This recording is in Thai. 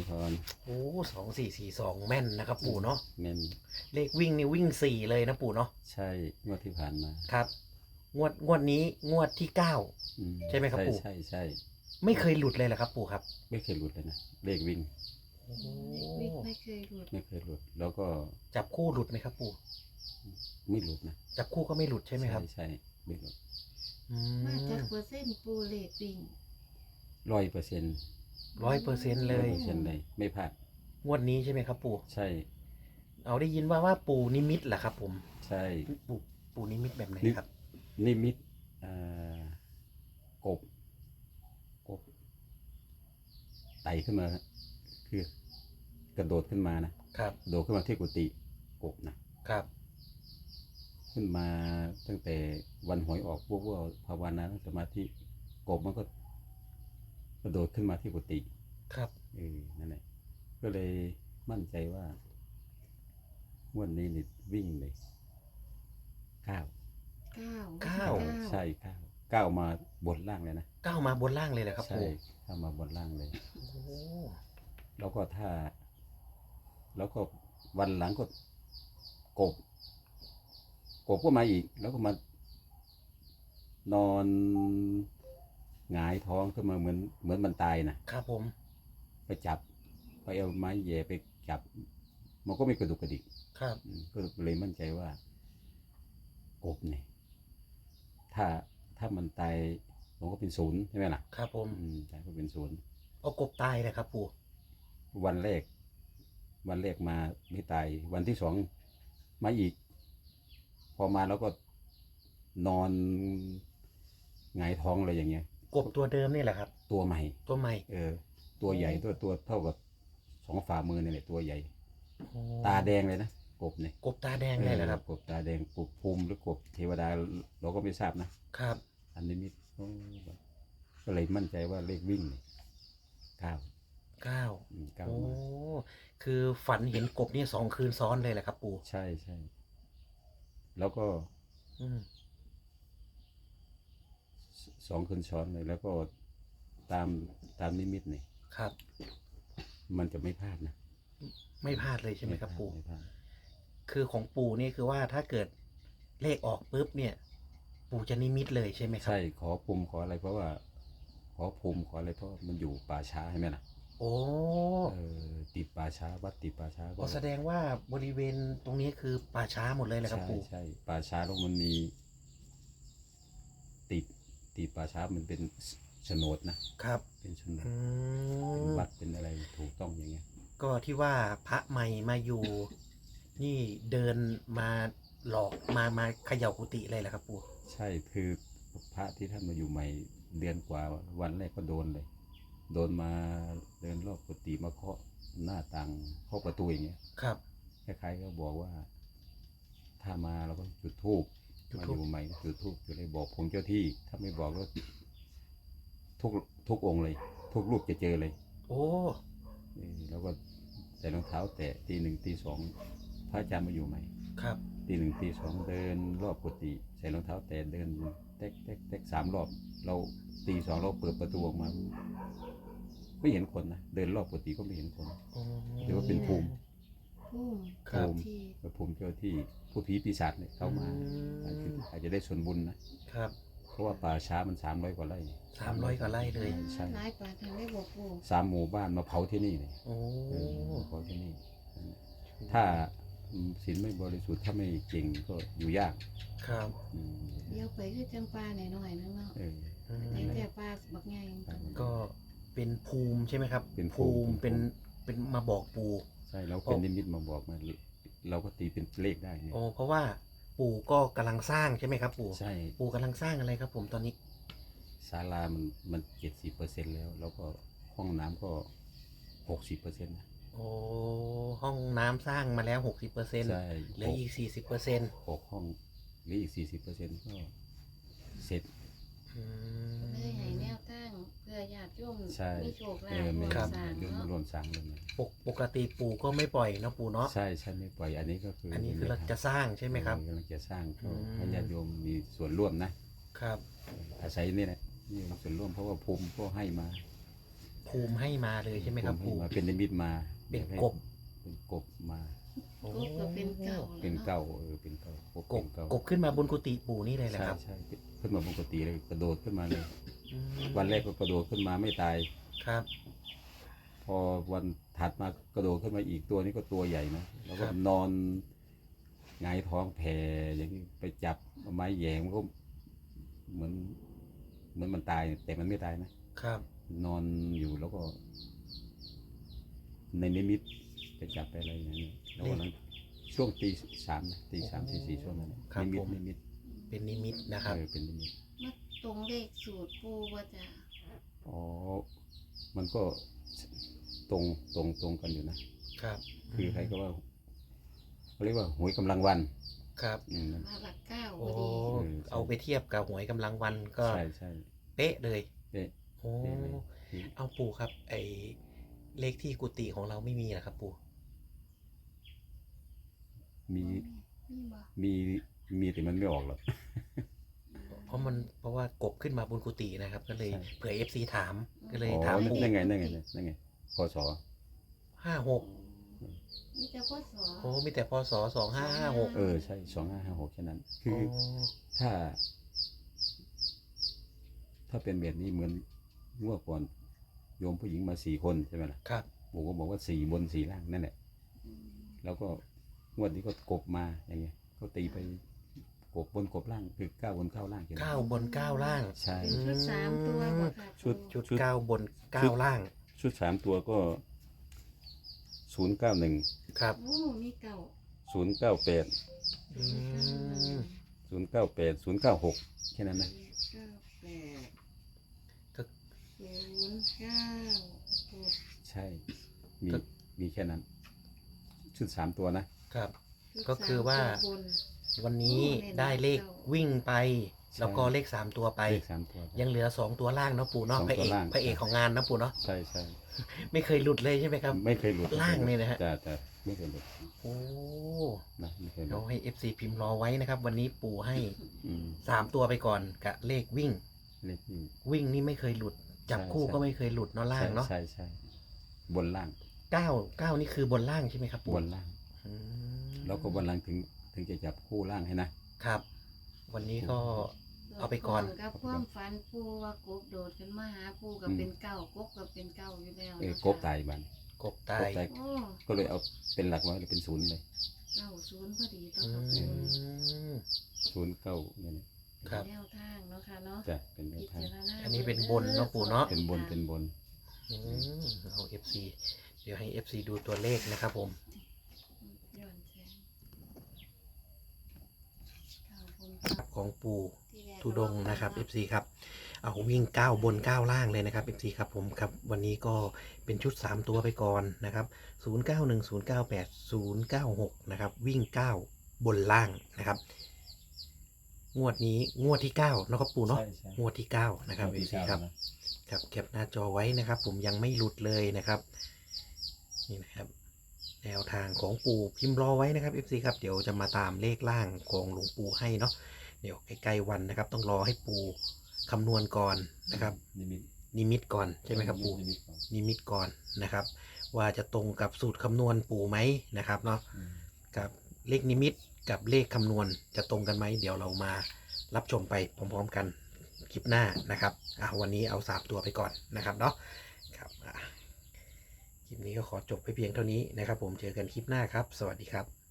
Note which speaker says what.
Speaker 1: พร
Speaker 2: โอ้2442แม่นนะครับปู่เนาะ
Speaker 1: แม่น
Speaker 2: เลขวิ่งนี่วิ่งสี่เลยนะปู่เนาะ
Speaker 1: ใช่งวดที่ผ่านมา
Speaker 2: ครับงวดนี้งวดที่9ใช่ไหมครับปู่
Speaker 1: ใช่
Speaker 2: ไม่เคยหลุดเลยเหรอครับปู่ครับ
Speaker 1: ไม่เคยหลุดเลยนะเลขวิ่ง
Speaker 2: โอ้
Speaker 3: วิกไม่เคยหลุด
Speaker 1: ไม่เคยหลุดแล้วก็
Speaker 2: จับคู่หลุดไหมครับปู่
Speaker 1: ไม่หลุดนะ
Speaker 2: จับคู่ก็ไม่หลุดใช่ไหมครับ
Speaker 1: ใช่ไม่หลุด
Speaker 2: อื
Speaker 3: มาจาก
Speaker 2: ม
Speaker 3: เปอร์เซ็นต์ปูเลขวิ่ง
Speaker 1: 100%
Speaker 2: 100%เลย
Speaker 1: 100%เลยไม่พลาด
Speaker 2: งวดนี้ใช่ไหมครับปู่
Speaker 1: ใช่
Speaker 2: เอาได้ยินว่าปู่นิมิตเหรอครับผม
Speaker 1: ใช่
Speaker 2: ปู่นิมิตแบบไหนครับ
Speaker 1: นิมิตกบไต่ขึ้นมาคือกระโดดขึ้นมานะครับโดดขึ้นมาที่กุฏิกบนะครับขึ้นมาตั้งแต่วันหวยออกพวกภาวนาสมาธิกบมันก็กระโดดขึ้นมาที่กุฏิ
Speaker 2: ครับ
Speaker 1: นั่นแหละก็เลยมั่นใจว่างวดนี้นี่วิ่งเลย9ใช่9มาบนล่างเลยนะ
Speaker 2: 9มาบนล่างเลยเหรอครับ
Speaker 1: ใช่
Speaker 2: ปู่
Speaker 1: เข้ามาบนล่างเลย
Speaker 2: โอ้
Speaker 1: แล้วก็แล้วก็วันหลังก็กบก็มาอีกแล้วก็มานอนหงายท้องขึ้นมาเหมือนมันตาย
Speaker 2: นะครับผม
Speaker 1: ไปจับไปเอาไม้แย่ไปจับมันก็ไม่กระดุกกระดิก
Speaker 2: ครับ
Speaker 1: ก็เลยมั่นใจว่ากบเนี่ยถ้ามันตายมันก็เป็น0ใช่ไหมล่ะ
Speaker 2: ครับผม
Speaker 1: ตายก็เป็น0
Speaker 2: เอากบตายเลยครับปู่
Speaker 1: วันแรกมาไม่ตายวันที่2มาอีกพอมาแล้วก็นอนหงายท้องอะไรอย่างเงี้ย
Speaker 2: กบตัวเดิมนี่แหละครับ
Speaker 1: ตัวใหม่
Speaker 2: ตัว
Speaker 1: ตัวใหญ่ตัวเท่ากับ2 ฝ่ามือนี่แหละตัวใหญ่ตาแดงเลยนะกบเนี่ย
Speaker 2: กบตาแดงเลยเหรอครับ
Speaker 1: กบตาแดงกบภูมิหรือกบเทวดาเราก็ไม่ทราบนะครับอันนี้มิก็เลยมั่นใจว่าเลขวิ่งเนี่ย9
Speaker 2: โอ้คือฝันเห็นกบนี่2 คืนซ้อนเลยแหละครับปู่
Speaker 1: ใช่แล้วก็2 คืนซ้อนเลยแล้วก็ตามนิมิตเนี่ย
Speaker 2: ครับ
Speaker 1: มันจะไม่พลาดนะ
Speaker 2: ไม่พลาดเลยใช่ไหมครับปู่
Speaker 1: ไม่พลาด
Speaker 2: คือของปู่นี่คือว่าถ้าเกิดเลขออกปุ๊บเนี่ย ปู่จะนิมิตเลยใช่ไหมครับ
Speaker 1: ใช่ขอภูมิขออะไรเพราะว่าขอภูมิขออะไรเพราะมันอยู่ป่าช้าใช่ไหมล่ะ
Speaker 2: โอ้
Speaker 1: ติดป่าช้าวัดติดป่าช้า
Speaker 2: ก็แสดงว่าบริเวณตรงนี้คือป่าช้าหมดเลยแหละครับปู่
Speaker 1: ใช่ป่าช้าแล้วมันมีติดป่าช้ามันเป็นโฉนดนะครับเป็นโฉนดเป็นวัดเป็นอะไรถูกต้องอย่างเงี้ย
Speaker 2: ก็ที่ว่าพระใหม่มาอยู่นี่เดินมาหลอกมาเขย่ากุฏิเลยแหละครับปู่
Speaker 1: ใช่คือพระที่ท่านมาอยู่ใหม่เดือนกว่าวันแรกก็โดนมาเดินรอบกุฏิมาเคาะหน้าต่างเคาะประตูอย่างเงี้ย
Speaker 2: ครับ
Speaker 1: คล้ายๆก็บอกว่าถ้ามาเราก็จุดธูปมาอยู่ใหม่จุดธูปจะได้บอกผมเจ้าที่ถ้าไม่บอกก็ทุกองค์เลยทุกรูปจะเจอเลย
Speaker 2: โอ้
Speaker 1: แล้วก็ใส่รองเท้าแตะตี 1 ตี 2พระอาจารย์มาอยู่ใหม่
Speaker 2: ครับ
Speaker 1: ตี 1 ตี 2เดินรอบกุฏิใส่รองเท้าแตะเดินเต๊ก3 รอบเราตี 2เราเปิดประตูออกมาไม่เห็นคนนะเดินรอบกุฏิก็ไม่เห็นคนหรือว่าเป็นภูมิเจ้าที่ผู้ผีปีศาจเนี่ยเข้ามาอาจจะได้ส่วนบุญ
Speaker 2: นะครับ
Speaker 1: เพราะว่าป่าช้ามัน300 กว่าไร่
Speaker 2: 300 กว่าไร่เลย
Speaker 1: ใช่
Speaker 3: หลายป่าทางได้บอกปู่
Speaker 1: 3 หมู่บ้านมาเผาที่นี่เลยเผาที่นี่ถ้าศีลไม่บริสุทธิ์ถ้าไม่เก่งก็อยู่ยาก
Speaker 2: ครับ
Speaker 3: เดี๋ยวไปคือจังปลาหน่อยๆนึงเนาะแต่ปลาบักใหญ่
Speaker 2: ก็เป็นภูมิใช่ไหมครับเป็นภูมิเป็นมาบอกปู่
Speaker 1: ใช่แล้วเป็นนิมิตมาบอกมาเราก็ตีเป็นเลขได้เนี่ย
Speaker 2: เพราะว่าปู่ก็กำลังสร้างใช่ไหมครับปู่
Speaker 1: ใช่
Speaker 2: ปู่กำลังสร้างอะไรครับผมตอนนี้
Speaker 1: ศาลามัน70%แล้วก็ห้องน้ำก็60%นะ
Speaker 2: ห้องน้ำสร้างมาแล้ว60%
Speaker 1: ใช่
Speaker 2: เหลืออีก40%
Speaker 1: 6 ห้องหรืออีก40%ก็เสร็จ
Speaker 3: เลยให้แนวตั้งเพื่อญาติโยมมีโชคลาภ
Speaker 1: ร่วมสร้างเลย
Speaker 2: ปกติปู่ก็ไม่ปล่อยนะปู่เนาะ
Speaker 1: ใช่ไม่ปล่อยอันนี้คือ
Speaker 2: เราจะสร้างใช่ไหมครับ
Speaker 1: กำลังจะสร้างก็ให้ญาติโยมมีส่วนร่วมนะครับอาศัยนี่แหละนี่ส่วนร่วมเพราะว่าภูมิก็ให้มา
Speaker 2: ภภูมิให้มาเลยใช่ไหมครับ
Speaker 1: ให้
Speaker 2: ปู่
Speaker 1: มาเป็นนิมิตมา
Speaker 2: เป็นกบ
Speaker 1: เป็นกบมา
Speaker 2: โอ้
Speaker 3: กบก็เป็นเก่า
Speaker 1: เป็นเก้าเป็นเก้าก
Speaker 2: ก
Speaker 1: เป็
Speaker 2: บ
Speaker 1: นเก้าก
Speaker 2: บขึ้นมาบนกุฏิปู่นี่เลยแหละ
Speaker 1: ใช่
Speaker 2: ครับ
Speaker 1: ใช่ขึ้นมาปกติเลยกระโดดขึ้นมาเลย
Speaker 2: อืม
Speaker 1: วันแรกก็กระโดดขึ้นมาไม่ตาย
Speaker 2: ครับ
Speaker 1: พอวันถัดมากระโดดขึ้นมาอีกตัวนี้ก็ตัวใหญ่นะแล้วก็
Speaker 2: ครับ
Speaker 1: นอนหงายท้องแผ่อย่างนี้ไปจับเอาไม้แหย่มันก็เหมือนมันตายแต่มันไม่ตายนะครับ นอนอยู่แล้วก็ ในนิมิตไปจับไปอะไรอย่างนี้แล้ววันนั้นช่วงตีสามนะตีสามตีสี่ช่วงนั้นน่ะ
Speaker 2: ครับ
Speaker 1: นิมิ
Speaker 2: ผ
Speaker 1: ต
Speaker 2: ม
Speaker 1: นิมิต
Speaker 2: เป็นนิมิตนะครับ
Speaker 1: เป็นนิมิต
Speaker 3: มาตรงเลขสูตรปูว่าจะ
Speaker 1: อ๋อมันก็ตรงกันอยู่นะครับ คือใครก็ว่าเขาเรียกว่าหวยกำลังวัน
Speaker 2: ครับ
Speaker 3: มาหลักเก้าพ
Speaker 2: โอ้
Speaker 3: อดี
Speaker 2: เอาไปเทียบกับหวยกำลังวันก็
Speaker 1: ใช่ใช่
Speaker 2: เป๊ะเลย
Speaker 1: เอ๊ะ
Speaker 2: โอ้
Speaker 1: เป๊ะเลย
Speaker 2: เอาปู่ครับ ไอเลขที่กุฏิของเราไม่มีเหรอครับ ปู่
Speaker 1: มี
Speaker 3: นี่บ่
Speaker 1: มีแต่มันไม่ออกหรอก
Speaker 2: เพราะว่ากบขึ้นมาบนกุฏินะครับ ก็เลย
Speaker 1: ใช่
Speaker 2: เผื่อ FC ถามก็เลย
Speaker 1: อ๋อ
Speaker 2: ถาม
Speaker 1: นั่
Speaker 2: ปู่
Speaker 1: นไงพศ
Speaker 2: 56
Speaker 3: นี่จะพ่อสอ
Speaker 2: โอ้มีแต่พศ2556
Speaker 1: ใช่2556แค่นั้น คืออถ้าเป็นแบบนี้เหมือนงวดก่อนโยมผู้หญิงมา4 คนใช่ไหมล่ะ
Speaker 2: ครับ
Speaker 1: ผมก็บอกว่า4 บน 4 ล่างนั่นแหละ
Speaker 3: อืม
Speaker 1: แล้วก็งวดนี้ก็กบมาอย่างเงี้ยก็ตีไปกบบนกบล่างคือ9 บน 9 ล่างใช่ไหม
Speaker 2: 9 บน 9 ล่าง
Speaker 1: ใช่
Speaker 3: เป็นชุดสามตัวบ่ค่ะ
Speaker 1: ชุด
Speaker 2: ชุด 9 บน 9 ล่าง
Speaker 1: ชุด3 ตัวก็091
Speaker 2: ครับ
Speaker 3: โอ้มีเก่า
Speaker 1: 098
Speaker 2: อืม
Speaker 1: 098 096แค่นั้นนะ
Speaker 3: 98 096
Speaker 1: ใช่ มีแค่นั้น ชุด3 ตัวนะ
Speaker 2: ครับ
Speaker 3: ชุด
Speaker 2: ก็คือว่า
Speaker 3: สมตัวบน
Speaker 2: วันนี้
Speaker 3: โอ้
Speaker 2: ได้เลข
Speaker 3: เน้นๆ
Speaker 2: วิ่งไป
Speaker 1: ใช่
Speaker 2: แล้วก็เลข 3 ตัวไป
Speaker 1: เลข3 ตัว
Speaker 2: ยังเหลือ 2 ตัวล่างเนาะปู่เนาะ
Speaker 1: สอง
Speaker 2: พระ
Speaker 1: ตัว
Speaker 2: เอก
Speaker 1: ล่าง
Speaker 2: พระเอกของงานนะปู่เนาะ
Speaker 1: ใช่ใช่
Speaker 2: ไม่เคยหลุดเลยใช่ไหมครับ
Speaker 1: ไม่เคยหลุด
Speaker 2: ล่างเลยนะฮะ
Speaker 1: จะไม่เคยหลุด
Speaker 2: โอ้
Speaker 1: นะไม่เคยหลุ
Speaker 2: เรา
Speaker 1: ด
Speaker 2: ให้ FC พิมพ์รอไว้นะครับ วันนี้ปู่ให้
Speaker 1: อืม
Speaker 2: 3 ตัวไปก่อนกับเลขวิ่ง
Speaker 1: เลขนี่
Speaker 2: วิ่งนี่ไม่เคยหลุด จับ
Speaker 1: ใช่
Speaker 2: คู่
Speaker 1: ใช่
Speaker 2: ก็ไม่เคยหลุดเนาะล่างเนาะ
Speaker 1: ใช่ใช่บนล่าง
Speaker 2: 9นี่คือบนล่างใช่ไหมครับปู่
Speaker 1: บนล่าง
Speaker 2: อืม
Speaker 1: แล้วก็บนล่างถึงจะจับคู่ล่างให้นะครับ
Speaker 2: วันนี้ก็ เอาไปก่อน
Speaker 3: กับความฝันปูว่ากบโดดขึ้นมาหาปูกับเป็นเก่ากบกับเป็นเก่าอยู่แล้วนะคะ
Speaker 1: กบตายบัน
Speaker 2: กบตาก
Speaker 1: บ
Speaker 2: ย
Speaker 1: ตาย
Speaker 3: โอ้
Speaker 1: ก็เลยเอาเป็นหลักไว้เลยเป็น0เลย
Speaker 3: 90พอดีต่อ
Speaker 2: อื
Speaker 3: กับปู
Speaker 2: ม
Speaker 1: 09เนี่ยนะครับ
Speaker 3: แนวทางเนาะค่ะเนาะ
Speaker 1: จะเป็นแนว
Speaker 3: พิ
Speaker 1: ทาง
Speaker 3: จารณา
Speaker 2: อันนี้เป็นบนเนาะปู่เนาะ
Speaker 1: เป็นบนเป็นบน
Speaker 2: อืมเอา FC เดี๋ยวให้ FC ดูตัวเลขนะครับผม
Speaker 3: ย้อนแสงเก้าบน
Speaker 2: ของปู่
Speaker 3: ที่แรก
Speaker 2: ทุดงค์นะครับ FC ครับเอาวิ่ง 9 บน 9 ล่างเลยนะครับ FC ครับผมครับวันนี้ก็เป็นชุด 3 ตัวไปก่อนนะครับ091 098 096นะครับวิ่ง 9 บนล่างนะครับงวดนี้งวดที่9นะครับปู่เนาะ
Speaker 1: ใช่ใช่
Speaker 2: งวดที่9นะครับ
Speaker 1: งวดที่
Speaker 2: FC
Speaker 1: เก้า
Speaker 2: ครับ
Speaker 1: นะ
Speaker 2: ครับแคปหน้าจอไว้นะครับ ผมยังไม่หลุดเลยนะครับนี่นะครับแนวทางของปู่พิมพ์รอไว้นะครับ FC ครับเดี๋ยวจะมาตามเลขล่างของหลวงปู่ให้เนาะเดี๋ยวใกล้ๆวันนะครับ ต้องรอให้ปู่คำนวณก่อนนะครับ
Speaker 1: นิมิต
Speaker 2: นิมิตก่อนใช่ไหมครับปู่
Speaker 1: นิมิตก่อน
Speaker 2: นิมิตก่อนนะครับ ว่าจะตรงกับสูตรคำนวณปู่ไหมนะครับเนาะ
Speaker 1: อืม
Speaker 2: กับเลขนิมิตกับเลขคำนวณจะตรงกันไหมเดี๋ยวเรามารับชมไปพร้อมๆกันคลิปหน้านะครับวันนี้เอา3 ตัวไปก่อนนะครับเนาะครับคลิปนี้ก็ขอจบไปเพียงเท่านี้นะครับ ผมเจอกันคลิปหน้าครับ สวัสดีครับ